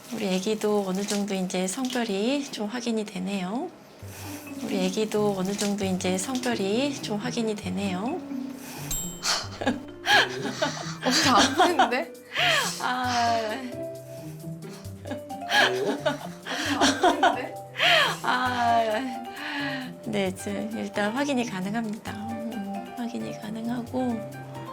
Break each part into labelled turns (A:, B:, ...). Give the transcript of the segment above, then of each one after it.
A: 우리 애기도 어느 정도 이제 성별이 좀 확인이 되네요. 우리 애기도 어느 정도 이제 성별이 좀 확인이 되네요.
B: 안 보이는데?
A: 아, 네, 일단 확인이 가능합니다. 확인이 가능하고,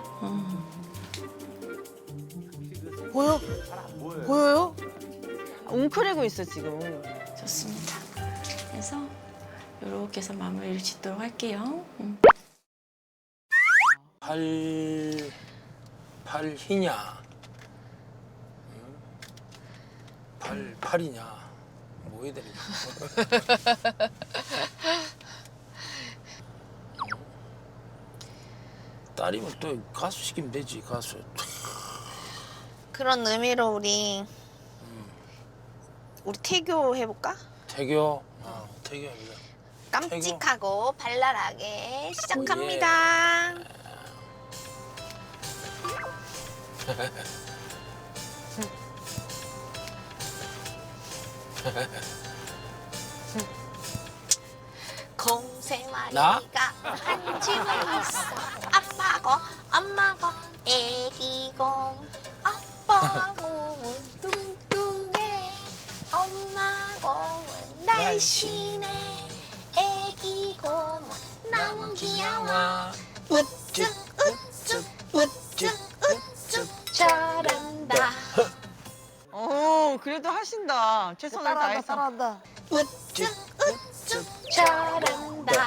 C: 보여? 보여요? 웅크리고 있어 지금.
A: 좋습니다. 그래서 이렇게 해서 마무리를 짓도록 할게요.
D: 팔이냐? 팔이냐? 뭐 해야 되냐? 딸이면 또 가수 시키면 되지, 가수.
E: 그런 의미로 우리 태교 해볼까?
D: 태교? 태교 해보자.
E: 깜찍하고 발랄하게 시작합니다.
D: 나?
E: 공세마리가 한 집에 있어. 아빠고 엄마고 애기고 아빠 몸은 뚱뚱해 엄마 몸은 날씬해 애기 몸은 너무 귀여워 우쭈 우쭈 우쭈 우쭈 잘한다
C: 그래도 하신다. 최선을 다해서.
B: 따라한다.
E: 우쭈 우쭈 잘한다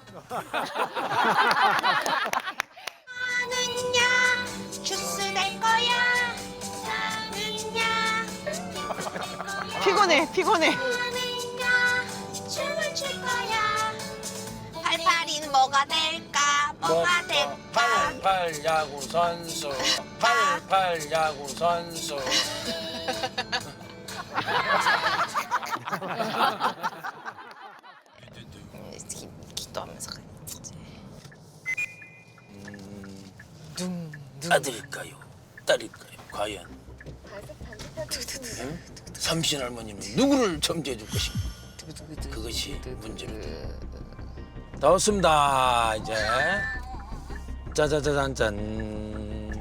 E: 나는야 주스 낼 거야 나는야
C: 피곤해.
E: 나는야 춤을 출 거야 팔팔이는 뭐가 될까 뭐가 될까
D: 팔팔 야구 선수. 팔팔 야구 선수.
E: 기도하면서 가야지
D: 아들일까요? 딸일까요? 과연? 응? 삼신 할머니는 누구를 점지해 줄 것인가? 그것이 문제입니다. 다 왔습니다. 이제 짜자자잔짠.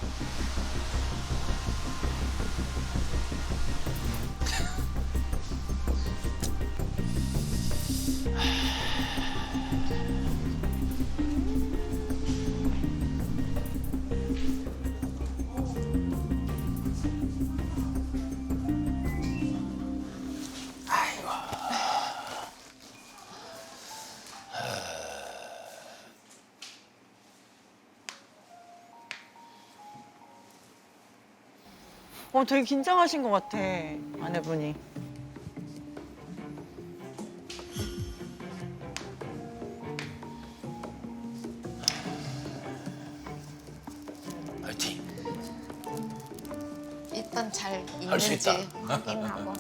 C: 되게 긴장하신 것 같아 아내분이.
D: 파이팅.
E: 일단 잘
D: 할수
E: 있는지
D: 있다.
E: 확인하고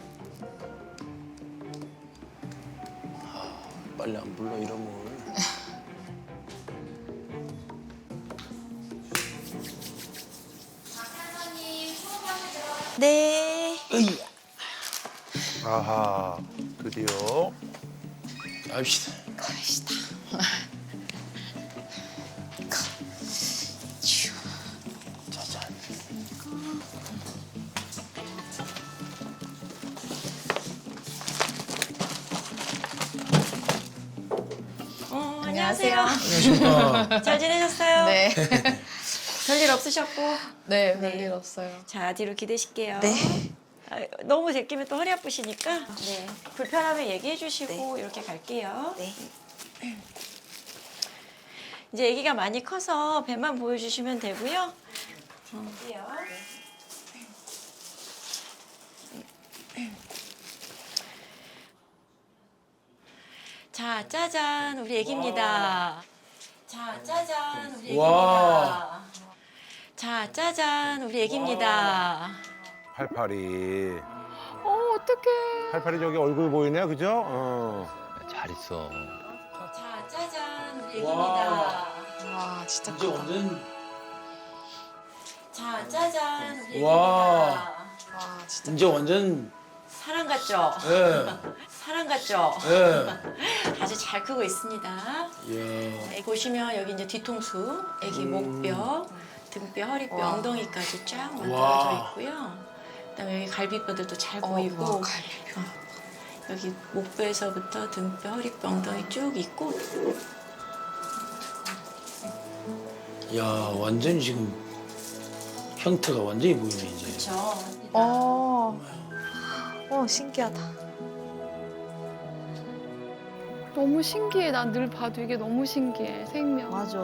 D: 빨리 안 불러 이러면.
E: 네
D: 으이야.
F: 아하, 드디어.
D: 갑시다.
E: 갑시다
D: 짜잔.
A: 안녕하세요.
D: 안녕하십니까.
A: 잘 지내셨어요?
B: 네.
A: 별일 없으셨고?
B: 네,
A: 네.
B: 별일 없어요.
A: 자, 뒤로 기대실게요.
E: 네.
A: 너무 제끼면 또 허리 아프시니까 네. 불편하면 얘기해 주시고 이렇게 갈게요.
E: 네.
A: 이제 아기가 많이 커서 배만 보여주시면 되고요. 갈게요. 자, 짜잔, 우리 아기입니다. 자, 짜잔, 우리
D: 와.
A: 아기입니다. 자, 짜잔, 우리 아기입니다.
F: 팔팔이.
B: 어떡해.
F: 팔팔이 저기 얼굴 보이네요, 그죠?
G: 잘 있어.
A: 자, 짜잔, 우리 아기입니다.
B: 와, 진짜
D: 이제
B: 크다.
D: 완전.
A: 자, 짜잔, 우리
D: 와.
A: 아기입니다.
B: 와,
D: 이제 완전
A: 사랑 같죠?
D: 예.
A: 사랑 같죠?
D: 예.
A: 아주 잘 크고 있습니다.
D: 예.
A: 보시면 여기 이제 뒤통수, 애기 목뼈, 등뼈, 허리뼈,
B: 와.
A: 엉덩이까지 쫙
D: 와.
A: 만들어져 있고요. 그다음에 여기 갈비뼈들도 잘 보이고
B: 와, 갈비뼈.
A: 여기 목뼈에서부터 등뼈, 허리뼈, 엉덩이 쭉 있고
D: 야, 완전히 지금 형태가 완전히 보이네 이제.
A: 그렇죠.
B: 신기하다.
H: 너무 신기해. 난 늘 봐도 이게 너무 신기해. 생명.
C: 맞아.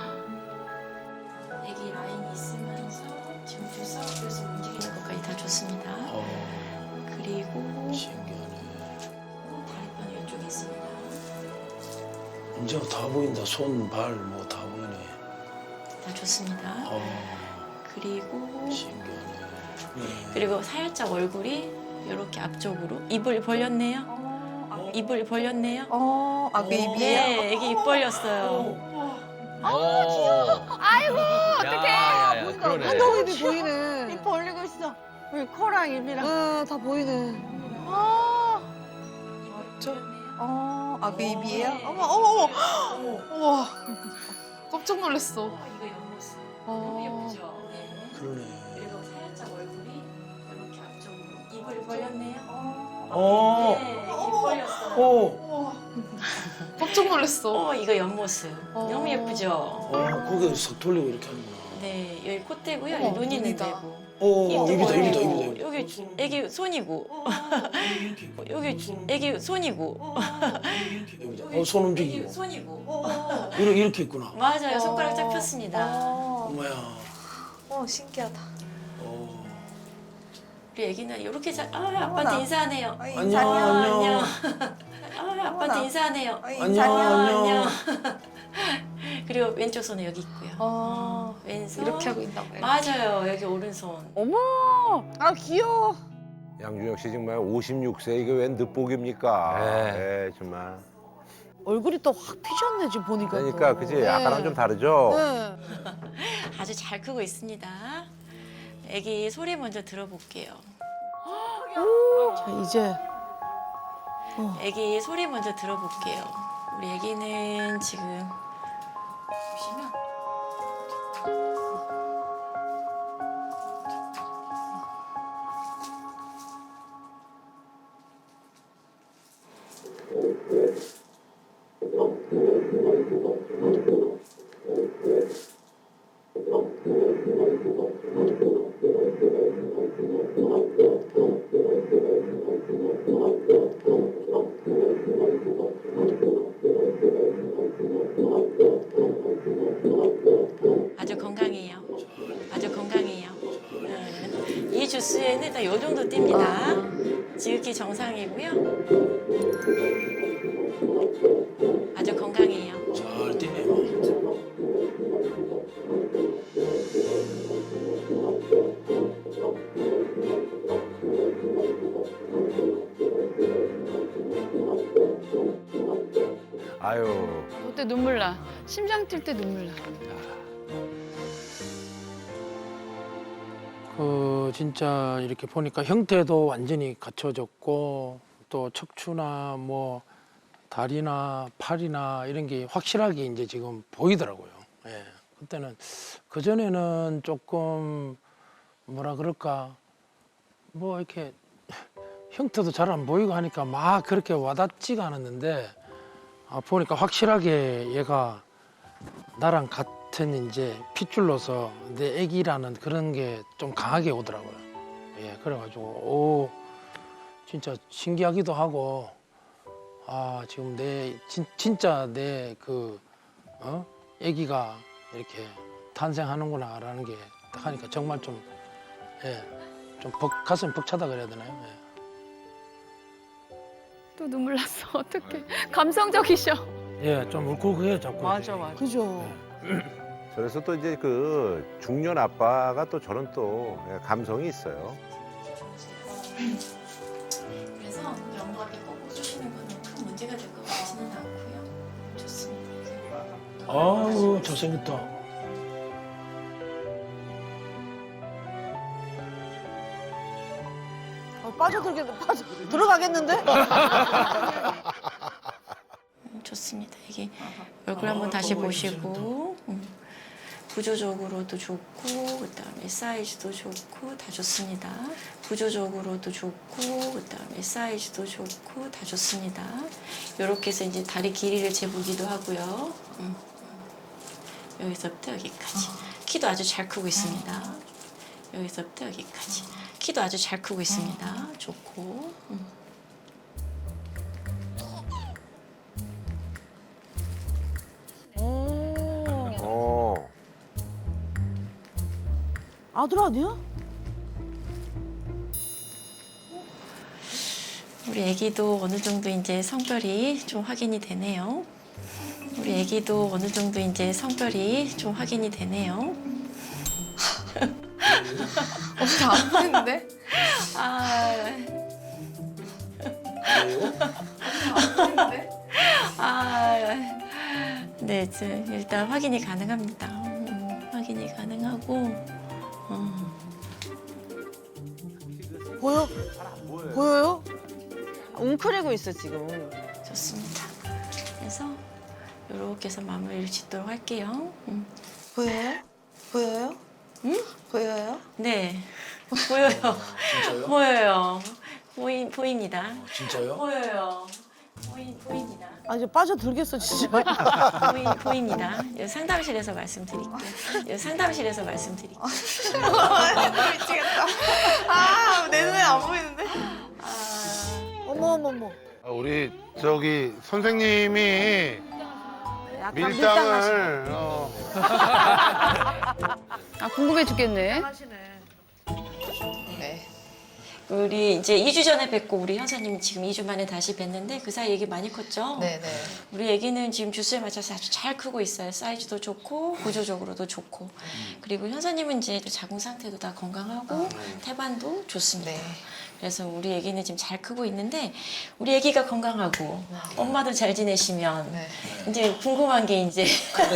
A: 애기 라인이 있으면서 지금 들썩들썩 움직이는 것까지 다 좋습니다. 그리고
D: 신기하네.
A: 다리뼈는 이쪽에 있습니다.
D: 이제 다 보인다. 손, 발, 뭐 다 보이네.
A: 다 좋습니다. 그리고
D: 신기하네. 네.
A: 그리고 살짝 얼굴이 이렇게 앞쪽으로 입을 벌렸네요. 입을 벌렸네요.
B: 그 입이에요?
A: 네, 애기 입 벌렸어요.
G: 아이고, 어떡해. 야, 그러네.
C: 한동이도 보이네. 입 벌리고 있어. 여기 코랑 입이랑.
B: 다 보이네. 그 입이에요? 어머. 우와. 깜짝 놀랐어.
A: 이거 옆모습.
B: 어.
A: 너무 예쁘죠? 네.
D: 그러네.
A: 그리고 살짝 얼굴이 이렇게 앞쪽으로 입을 벌렸네요. 네, 입 벌렸어요.
D: 오.
B: 깜짝 놀랐어.
A: 이거 옆모습. 너무 예쁘죠?
D: 고개 석 돌리고 이렇게 하는구나.
A: 네, 여기 콧대고요.
B: 어머,
A: 여기 눈이
B: 눈이다.
A: 내고.
D: 입이다.
A: 여기 애기 손이고. 여기 애기 손이고.
D: 손
A: 애기
D: 움직이고.
A: 손이고.
D: 이렇게 있구나.
A: 맞아요. 손가락 쫙 폈습니다.
D: 엄마야.
B: 신기하다.
A: 우리 애기는 이렇게 아빠한테 인사하네요.
D: 안녕.
A: 아빠한테 인사하네요.
D: 안녕.
A: 그리고 왼쪽 손은 여기 있고요. 왼손.
B: 이렇게 하고 있나 봐요.
A: 맞아요. 여기 오른손.
C: 어머. 아 귀여워.
F: 양준혁 씨 정말 56세 이게 웬 늦복입니까?
G: 네.
F: 네, 정말.
C: 얼굴이 또 확 피셨네 지금 보니까.
F: 그러니까
C: 또.
F: 그지? 아까랑 좀 다르죠?
C: 네.
A: 아주 잘 크고 있습니다. 애기 소리 먼저 들어볼게요.
C: 자 이제
A: 애기 소리 먼저 들어볼게요. 우리 애기는 지금 보시면 아주 건강해요. 아주 건강해요. 이 주스에는 일단 이 정도 띱니다. 지극히 정상이고요. 아주 건강해요.
D: 잘 뛰네. 뭐.
F: 아유.
H: 그때 눈물 나. 심장 뛸 때 눈물 나.
D: 진짜 이렇게 보니까 형태도 완전히 갖춰졌고 또 척추나 뭐 다리나 팔이나 이런 게 확실하게 이제 지금 보이더라고요. 예. 그때는 그전에는 조금 뭐라 그럴까 뭐 이렇게 형태도 잘 안 보이고 하니까 막 그렇게 와닿지가 않았는데 보니까 확실하게 얘가 나랑 같은 이제 핏줄로서 내 애기라는 그런 게 좀 강하게 오더라고요. 예, 그래가지고 오 진짜 신기하기도 하고 지금 진짜 내 그 애기가 이렇게 탄생하는구나라는 게 딱 하니까 정말 좀 가슴이 벅차다 그래야 되나요?
H: 또 눈물 났어. 어떡해. 감성적이셔.
D: 예, 좀 울컥해요 자꾸.
C: 맞아. 그죠.
F: 그래서 또 이제 그 중년 아빠가 또 저런 또 감성이 있어요.
A: 그래서 영감이 꼭 주시는 거는 큰 문제가 될 것 같지는 않고요. 좋습니다.
D: 아우 잘생겼다.
C: 들어가겠는데?
A: 좋습니다. 이게 얼굴 한번 다시 보시고 구조적으로도 좋고 그다음에 사이즈도 좋고 다 좋습니다. 구조적으로도 좋고 그다음에 사이즈도 좋고 다 좋습니다. 이렇게 해서 이제 다리 길이를 재보기도 하고요. 여기서부터 여기까지 키도 아주 잘 크고 있습니다. 여기서부터 여기까지 키도 아주 잘 크고 있습니다. 좋고.
F: 어.
C: 아들 아니야?
A: 우리 애기도 어느 정도 이제 성별이 좀 확인이 되네요. 우리 애기도 어느 정도 이제 성별이 좀 확인이 되네요.
B: 엄청 안 보이는데?
A: 아,
B: 안 보이는데?
A: 네, 일단 확인이 가능합니다. 확인이 가능하고,
C: 보여? 보여요? 웅크리고 있어 지금.
A: 좋습니다. 그래서 이렇게 해서 마무리를 짓도록 할게요.
C: 보여요? 보여요?
A: 응?
C: 보여요?
A: 네, 보여요.
D: 진짜요?
A: 보여요. 보입니다.
D: 진짜요?
A: 보여요. 보입니다.
C: 아 이제 빠져들겠어 진짜.
A: 보입니다. 여기 상담실에서 말씀드릴게요. 여기 상담실에서 말씀드릴게요.
B: 미치겠다. 아, 내 눈에 안 보이는데?
C: 어머.
I: 우리 저기 선생님이
C: 약간
I: 밀당을
H: 아 궁금해 죽겠네.
E: 네.
A: 우리 이제 2주 전에 뵙고 우리 현사님 지금 2주 만에 다시 뵀는데 그 사이 애기 많이 컸죠?
E: 네네.
A: 우리 애기는 지금 주수에 맞춰서 아주 잘 크고 있어요. 사이즈도 좋고 구조적으로도 좋고. 그리고 현사님은 이제 자궁 상태도 다 건강하고 태반도 좋습니다.
E: 네.
A: 그래서 우리 애기는 지금 잘 크고 있는데 우리 애기가 건강하고 엄마도 잘 지내시면
E: 네.
A: 이제 궁금한 게 이제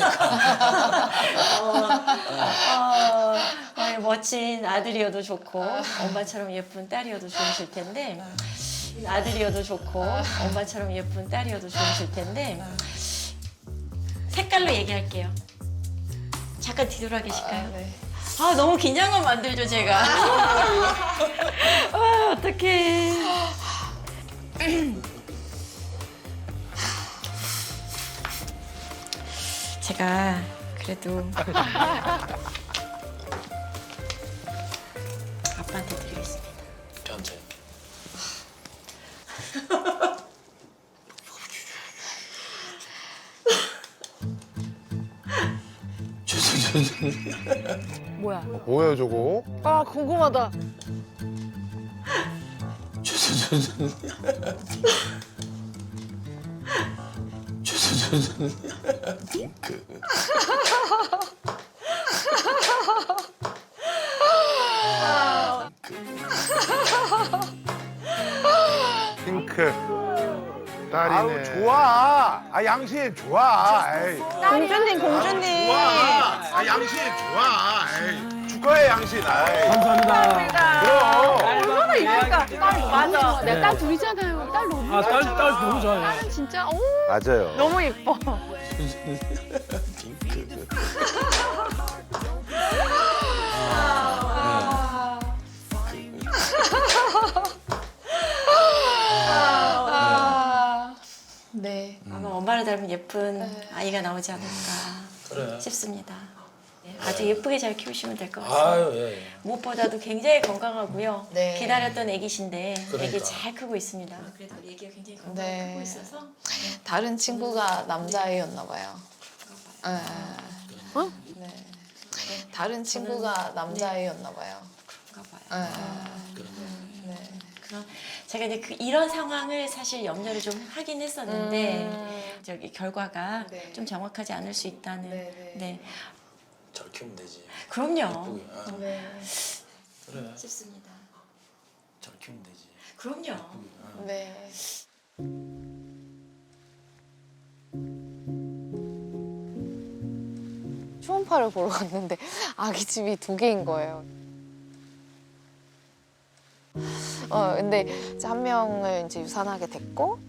A: 멋진 아들이어도 좋고 엄마처럼 예쁜 딸이어도 좋으실 텐데 아들이어도 좋고 엄마처럼 예쁜 딸이어도 좋으실 텐데 색깔로 얘기할게요. 잠깐 뒤돌아 계실까요?
E: 네.
A: 아 너무 긴장감 만들죠 제가. 아 어떡해. 제가 그래도 아빠한테 드리겠습니다.
D: 저한테.
C: 뭐야?
I: 뭐예요 저거?
C: 아 궁금하다.
I: 핑크 딸이네.
F: 아우 좋아. 아 양심 좋아. 에이.
C: 공주님.
F: 좋아. 아 양심 좋아. 에이. 축하해 양심. 아이.
D: 감사합니다.
F: 그럼.
C: 얼마나 이럴까? 맞아.
H: 내가 딸 둘이잖아요. 딸 너무
D: 아, 딸 너무 좋아요.
H: 딸은 진짜
F: 맞아요.
C: 너무 예뻐.
E: 네.
A: 아마 엄마를 닮은 예쁜 아이가 나오지 않을까
D: 그래.
A: 싶습니다. 네, 아주 예쁘게 잘 키우시면 될 것 같습니다.
D: 아유 예.
A: 무엇보다도 굉장히 건강하고요.
E: 네.
A: 기다렸던 애기신데
D: 그러니까.
A: 애기 잘 크고 있습니다. 그래도 우리 애기가 굉장히 건강하게
E: 네.
A: 크고 있어서
E: 다른 친구가 남자아이였나 봐요. 네.
C: 어?
E: 네. 다른 친구가 남자아이였나 봐요.
A: 그런가 봐요.
E: 네. 네.
A: 그런 제가 이제 이런 상황을 사실 염려를 좀 하긴 했었는데 저기 결과가
E: 네.
A: 좀 정확하지 않을 수 있다는.
E: 네, 네.
A: 네.
D: 잘 키우면 되지.
A: 그럼요.
D: 예쁘게. 아,
E: 네.
D: 그래.
A: 싶습니다.
D: 잘 키우면 되지.
A: 그럼요.
D: 아.
E: 네. 초음파를 보러 갔는데 아기 집이 2개인 거예요. 근데 이제 한 명을 이제 유산하게 됐고.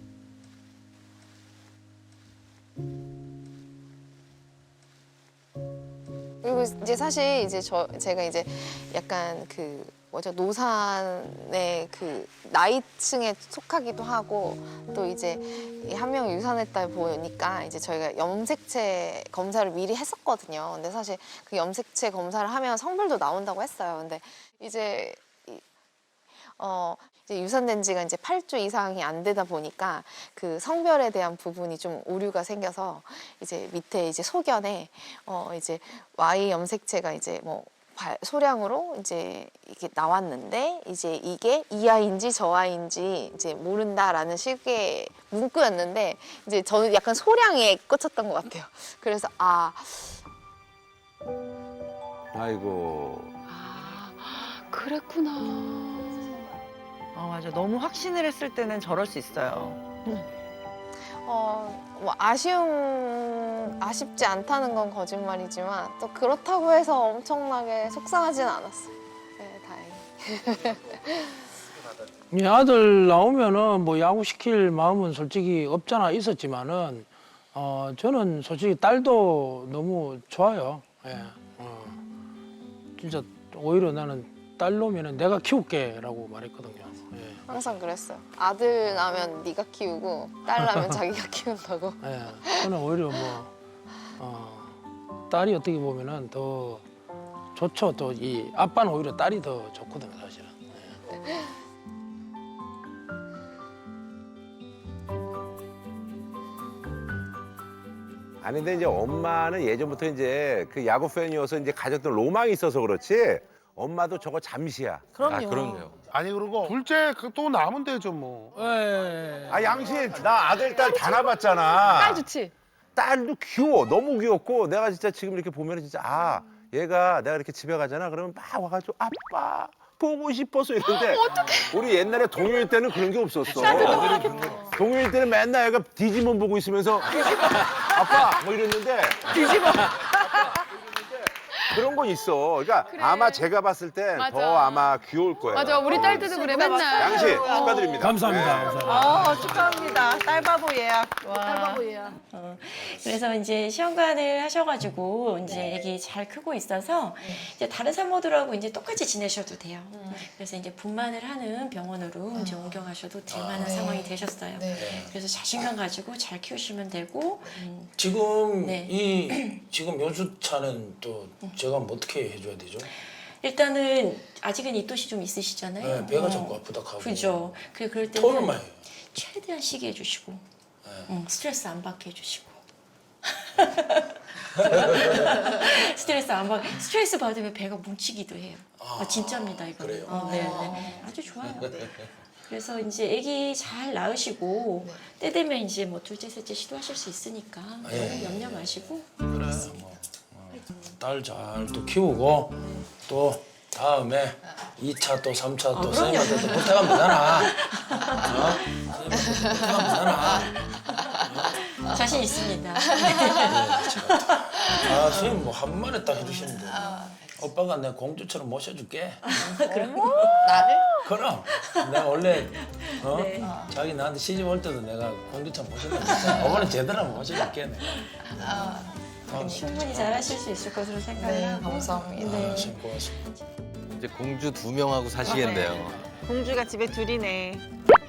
E: 그리고 이제 사실 이제 제가 이제 약간 그 뭐죠, 노산의 그 나이층에 속하기도 하고, 또 이제 한 명 유산했다 보니까 이제 저희가 염색체 검사를 미리 했었거든요. 근데 사실 그 염색체 검사를 하면 성별도 나온다고 했어요. 근데 이제 이제 유산된 지가 이제 8주 이상이 안 되다 보니까 그 성별에 대한 부분이 좀 오류가 생겨서 이제 밑에 이제 소견에 이제 Y 염색체가 이제 뭐 소량으로 이제 이게 나왔는데, 이제 이게 이 아이인지 저 아이인지 이제 모른다라는 식의 문구였는데, 이제 저는 약간 소량에 꽂혔던 것 같아요. 그래서
F: 아이고.
H: 그랬구나.
C: 맞아. 너무 확신을 했을 때는 저럴 수 있어요.
E: 뭐 아쉽지 않다는 건 거짓말이지만, 또 그렇다고 해서 엄청나게 속상하진 않았어요. 네, 다행히.
D: 이 아들 나오면은 뭐 야구 시킬 마음은 솔직히 없잖아 있었지만은 저는 솔직히 딸도 너무 좋아요. 예. 진짜 오히려 나는 딸 놈이는 내가 키울게라고 말했거든요. 예.
E: 항상 그랬어요. 아들 나면 네가 키우고 딸 나면 자기가 키운다고.
D: 예. 저는 오히려 딸이 어떻게 보면은 더 좋죠. 또 이 아빠는 오히려 딸이 더 좋거든요, 사실은. 예.
F: 아니 근데 이제 엄마는 예전부터 이제 그 야구 팬이어서 이제 가졌던 로망이 있어서 그렇지, 엄마도 저거 잠시야.
G: 그럼요.
I: 아니 그리고 둘째 또 나면 되죠 뭐.
D: 예.
F: 아 양신, 나 아들 딸 다 낳아봤잖아.
H: 딸 좋지?
F: 딸도 귀여워, 너무 귀엽고, 내가 진짜 지금 이렇게 보면 진짜 얘가 내가 이렇게 집에 가잖아, 그러면 막 와가지고 아빠 보고 싶어서 이러는데, 우리 옛날에 동요일 때는 그런 게 없었어. 동요일 때는 맨날 얘가 디지몬 보고 있으면서 아빠 뭐 이랬는데, 그런 건 있어. 그러니까 아마 제가 봤을 때
H: 맞아.
F: 더 아마 귀여울 거예요.
H: 맞아, 우리 딸들도 그래, 맨날.
F: 양씨 축하드립니다.
D: 감사합니다. 감사합니다.
C: 축하합니다. 딸바보 예약.
H: 딸바보야.
A: 그래서 이제 시험관을 하셔가지고 이제 애기 잘 크고 있어서 이제 다른 산모들하고 이제 똑같이 지내셔도 돼요. 그래서 이제 분만을 하는 병원으로 이제 옮겨가셔도 될 만한 상황이 되셨어요. 그래서 자신감 가지고 잘 키우시면 되고.
D: 지금
A: 네.
D: 지금 연수차는 또 제가 뭐 어떻게 해줘야 되죠?
A: 일단은 아직은 입덧이 좀 있으시잖아요.
D: 네, 배가 자꾸 아프다 하고.
A: 그죠. 그럴
D: 토를
A: 때는
D: 많이 해요.
A: 최대한 쉬게 해주시고, 스트레스 안 받게 해주시고. 스트레스 안 받. 스트레스 받으면 배가 뭉치기도 해요. 진짜입니다 이거.
D: 그래요?
A: 네. 아주 좋아요. 그래서 이제 아기 잘 낳으시고 때 되면 이제 뭐 둘째, 셋째 시도하실 수 있으니까 너무 염려 마시고.
D: 딸 잘 또 키우고 또 다음에 2차 또 3차 또 선생님한테 또 부탁하면 되잖아. 선생님한테 부탁하면 되잖아.
A: 자신 있습니다.
D: 선생님 뭐 한마디 딱 해주시는데 오빠가 내 공주처럼 모셔줄게.
E: 나를?
D: 그럼 내가 원래 자기 나한테 시집 올 때도 내가 공주처럼 모셔줬는데 이번엔 제대로 한번 모셔줄게 내가.
A: 충분히 잘하실 수 있을 것으로 생각하고.
E: 감사합니다.
D: 선생님 고맙습니다.
G: 이제 공주 2명하고 사시겠네요.
C: 공주가 집에 둘이네.